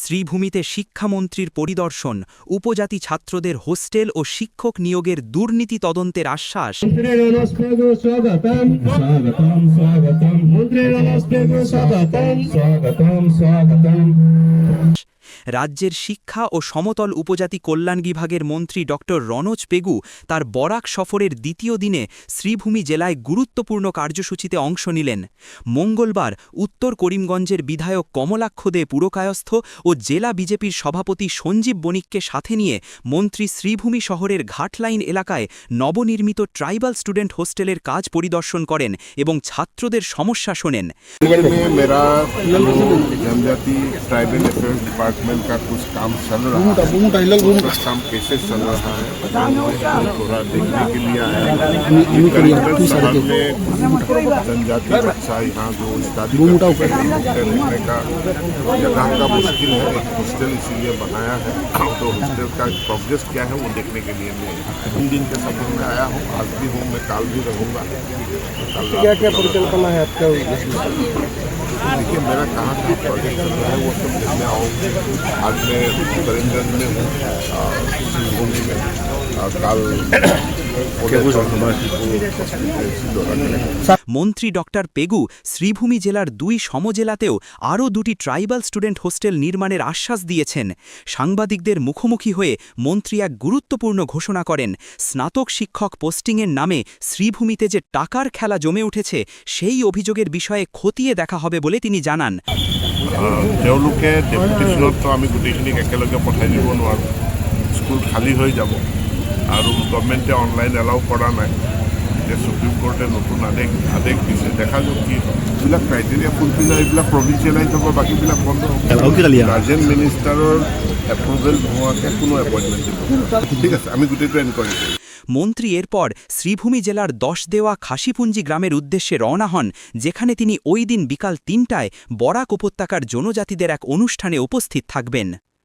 শ্রীভূমিতে শিক্ষামন্ত্রীর পরিদর্শন, উপজাতি ছাত্রদের হোস্টেল ও শিক্ষক নিয়োগের দুর্নীতি তদন্তের আশ্বাস। রাজ্যের শিক্ষা ও সমতল উপজাতি কল্যাণ বিভাগের মন্ত্রী ড রনোজ পেগু তার বরাক সফরের দ্বিতীয় দিনে শ্রীভূমি জেলায় গুরুত্বপূর্ণ কার্যসূচিতে অংশ নিলেন। মঙ্গলবার উত্তর করিমগঞ্জের বিধায়ক কমলাক্ষ দে পুরকায়স্থ ও জেলা বিজেপির সভাপতি সঞ্জীব বণিককে সাথে নিয়ে মন্ত্রী শ্রীভূমি শহরের ঘাটলাইন এলাকায় নবনির্মিত ট্রাইবাল স্টুডেন্ট হোস্টেলের কাজ পরিদর্শন করেন এবং ছাত্রদের সমস্যা শোনেন। डिपार्टमेंट का कुछ काम चल रहा है, कुछ काम कैसे चल रहा है थोड़ा देखने के लिए आया है। शहर में जनजाति बच्चा यहाँ जो स्टडी रहने का जगह का मुश्किल है, एक हॉस्टल इसीलिए बनाया है। तो हॉस्टल का प्रोग्रेस क्या है वो देखने के लिए मैं 3 दिन के सफर में आया हूँ। आज भी हूँ, मैं कल भी रहूँगा। क्या क्या परिकल्पना है आपका? देखिए मेरा कहाँ का प्रोजेक्ट चल रहा है वो सब देखने आऊँगा। आज मैं करीमगंज में हूँ, सिंहभूमि में, कल মন্ত্রী ড পেগু শ্রীভূমি জেলার 2 সমজেলাতেও আরও 2টি ট্রাইবাল স্টুডেন্ট হোস্টেল নির্মাণের আশ্বাস দিয়েছেন। সাংবাদিকদের মুখোমুখি হয়ে মন্ত্রী এক গুরুত্বপূর্ণ ঘোষণা করেন। স্নাতক শিক্ষক পোস্টিংয়ের নামে শ্রীভূমিতে যে টাকার খেলা জমে উঠেছে সেই অভিযোগের বিষয়ে খতিয়ে দেখা হবে বলে তিনি জানান। তেওঁলোকে ডেপুটেশ্যনত তো আমি গোটেইখিনিক একেলগে পঠাই দিব নোৱাৰোঁ, স্কুল খালী হৈ যাব আৰু গভৰ্ণমেণ্টে অনলাইন এলাউ কৰা নাই। এতিয়া সুপ্ৰিম কোৰ্টে নতুন আদেশ দিছে, দেখা যাওক কি হয়। এইবিলাক ক্ৰাইটেৰিয়া ফুলফিল হয়, এইবিলাক প্ৰভিঞ্চিয়েলাইজ হ'ব, বাকীবিলাক বন্ধ হ'ব। গাৰ্জেন মিনিষ্টাৰৰ এপ্ৰুভেল নোহোৱাকৈ কোনো এপইণ্টমেণ্ট দিব। ঠিক আছে, আমি গোটেইটো এনকোয়াৰি কৰিম। মন্ত্রী এরপর শ্রীভূমি জেলার 10 দেওয়া খাসিপুঞ্জি গ্রামের উদ্দেশ্যে রওনা হন, যেখানে তিনি ওই দিন বিকাল 3টায় বরাক উপত্যকার জনজাতিদের এক অনুষ্ঠানে উপস্থিত থাকবেন।